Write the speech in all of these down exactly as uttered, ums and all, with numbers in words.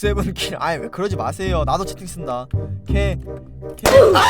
세븐킬. 아이 왜 그러지 마세요. 나도 채팅 쓴다. 캐 캐.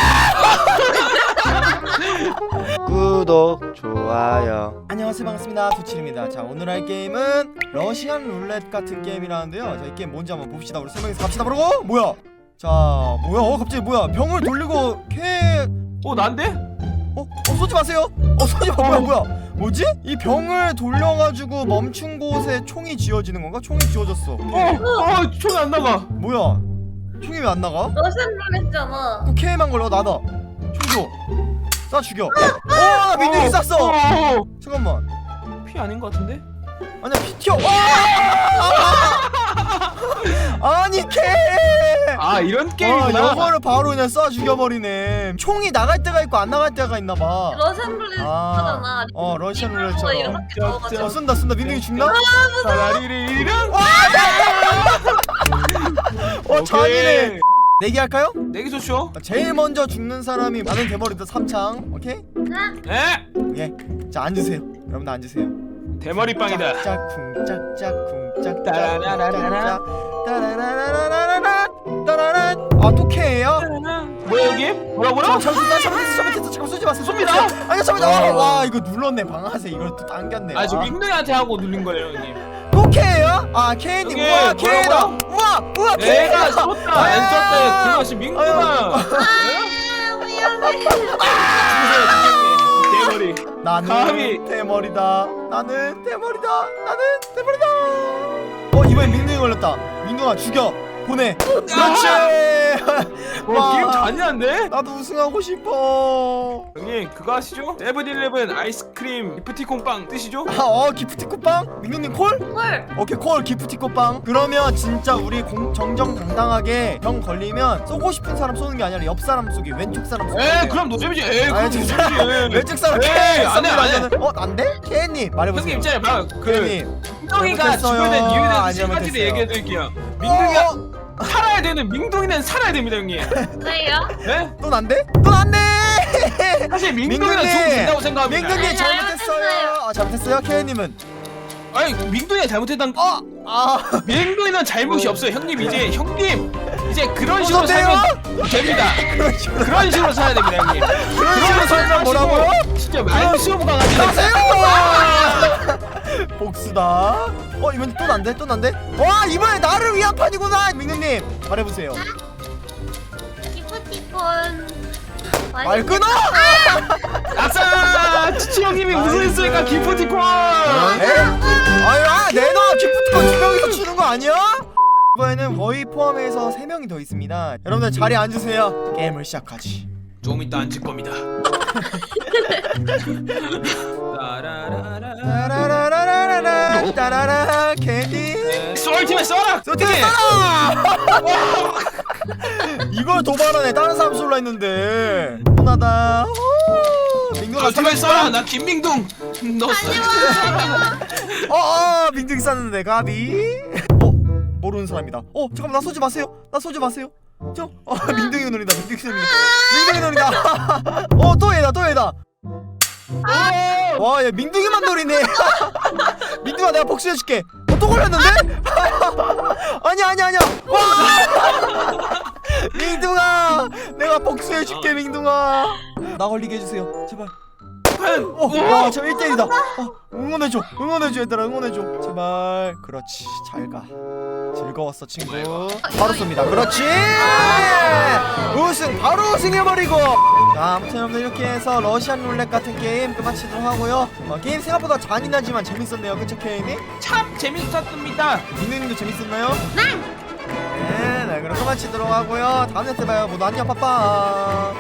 구독 좋아요. 안녕하세요, 반갑습니다. 두칠입니다. 자, 오늘 할 게임은 러시안 룰렛 같은 게임이라는데요. 자, 이 게임 뭔지 한번 봅시다. 우리 세 명이서 갑시다. 그러고 뭐야? 자, 뭐야? 어, 갑자기 뭐야? 병을 돌리고 캐. 어 난데? 어? 어 쏘지 마세요. 어 쏘지 마. 뭐야 뭐야? 뭐지? 이 병을 돌려가지고 멈춘 곳에 총이 지어지는 건가? 총이 지어졌어. 어, 어, 총이 안 나가. 뭐야? 총이 왜 안 나가? 러시안 룰렛잖아. 그 K만 걸려. 나다. 총 줘. 쏴 죽여. 어, 나 민둥이 쐈어. 어, 잠깐만. 피 아닌 것 같은데? 아니야, 피 튀어. 와! 아니 K. 아 이런 아, 게임이구나. 이거를 바로 그냥 쏴 죽여버리네. 총이 나갈 때가 있고 안 나갈 때가 있나봐. 러시안 룰렛 아, 하잖아. 어, 러시안 이걸 룰렛처럼. 이렇게 어, 넣어가지고. 어, 쏜다 쏜다. 민둥이 죽나? 사라리리랑. 어, 잔이네. 내기 할까요? 내기 좋죠? 제일 먼저 죽는 사람이 많은 대머리도 삼창. 오케이? 에? 예. 자, 앉으세요. 여러분들 앉으세요. 대머리 빵이다. 짝쿵 짝짝 쿵짝 따라라라라라. 따라라라라라라 따라라. 아, 또 K예요? 뭐야 여기? 뭐라고요? 저 잠시 나 잘못했어 잘못했어. 잠깐 쏘지 마세요. 쏩니다. 아니 잠깐만. 와. 와, 이거 눌렀네. 방아쇠 이걸 또 당겼네. 아 저 아. 민둥이한테 하고 누른 거예요 형님. 또 K예요? 아, K님. 여기 우와, K다. 뭐라고요? 우와, 우와, 내가 K다. 쏟다 안 쏟다 그것이 민둥아. 아, 미안해. 주세요 대머리. 나는 감히. 대머리다. 나는 대머리다. 나는 대머리다. 어, 이번엔 민둥이 걸렸다. 민둥아 죽여. 보내. 그렇지. 어 게임 잔인한데? 나도 우승하고 싶어. 형님 그거 아시죠? 세븐일레븐 아이스크림 기프티콘 빵 뜨시죠? 아, 어, 기프티콘빵? 민규님 콜? 헐. 오케이, 콜. 기프티콘빵. 그러면 진짜 우리 공, 정정당당하게 병 걸리면 쏘고 싶은 사람 쏘는 게 아니라 옆 사람 쏘기, 왼쪽 사람 쏘기. 에이 그럼 노잼이지. 에이 그럼 왼쪽 사람, 노잼이지. 왼쪽 사람. 에이 안해 안해. 어, 난데? 케이님 말해보세요. 형님 있잖아요 봐요 그 케이님. 민둥이가 잘못했어요. 죽어야 된 이유에 대해서 안 세 가지를 잘못했어요. 얘기해드릴게요. 민둥이가 어, 살아야 되는 민둥이는 살아야 됩니다 형님. 왜요? 네? 또 난데? 또 난데? 사실 민둥이는 민둥이. 죽으면 된다고 생각합니다. 민규님 아니, 잘못했어요. 잘못했어요. 아, 잘못했어요. 케이님은. 아니 민둥이가 잘못했던 어, 아, 민둥이는 잘못이 없어요 형님. 이제 형님 이제 그런 식으로 어떡해요? 살면 됩니다. 그런 식으로. 그런 식으로 살아야 됩니다 형님. 그런 식으로 살면 뭐라고요? 진짜 말도 시험 강아지. 가세요! 복수다. 어, 이번 또 난데? 또 난데? 와, 이번에 나를 위한 판이구나. 민규님 말해보세요. 기프티콘. 말 끊어! 아싸! 치치 형님이 우승했으니까 기프티콘. 에? 아유, 아, 내놔. 기프티콘 두 명이서 주는 거 아니야? 이번에는 거의 포함해서 세 명이 더 있습니다. 여러분들 자리에 앉으세요. 게임을 시작하지. 좀 이따 앉을 겁니다. 따라라라. 따라라라라라 따라라 캔디. 쏠팀에 쏴라. 쏘트리 쏘라! 이걸 도발하네. 다른 사람 쏠라 했는데. 혼나다. 민규가 쏠팀에 쏴라. 나 김민둥. 너 쏴. 어, 어, 민증 쌌는데 가비. 어, 모르는 사람이다. 어, 잠깐만, 나 쏘지 마세요. 나 쏘지 마세요. 저, 어, 민둥이 눈이다. 민둥이 눈이다. 민둥이 눈이다. 어, 또 얘다, 또 얘다. 와, 얘 민둥이만 노리네. 민둥아, 내가 복수해줄게. 어, 또 걸렸는데? 아니야, 아니야, 아니야. 와! 민둥아, 내가 복수해줄게, 민둥아. 나 걸리게 해주세요, 제발. 어, 와, 저 일 대 일이다. 어, 응원해줘, 응원해줘, 얘들아, 응원해줘. 제발. 그렇지, 잘 가. 즐거웠어, 친구. 바로 쏩니다. 그렇지. 우승, 바로 우승해버리고. 자, 아무튼 여러분들 이렇게 해서 러시안 룰렛 같은 게임 끝마치도록 하고요. 어, 게임 생각보다 잔인하지만 재밌었네요, 그쵸, 케이님? 참 재밌었습니다. 민우님도 재밌었나요? 네. 네, 네, 그럼 끝마치도록 하고요. 다음 에 봐요. 모두 안녕, 빠빠.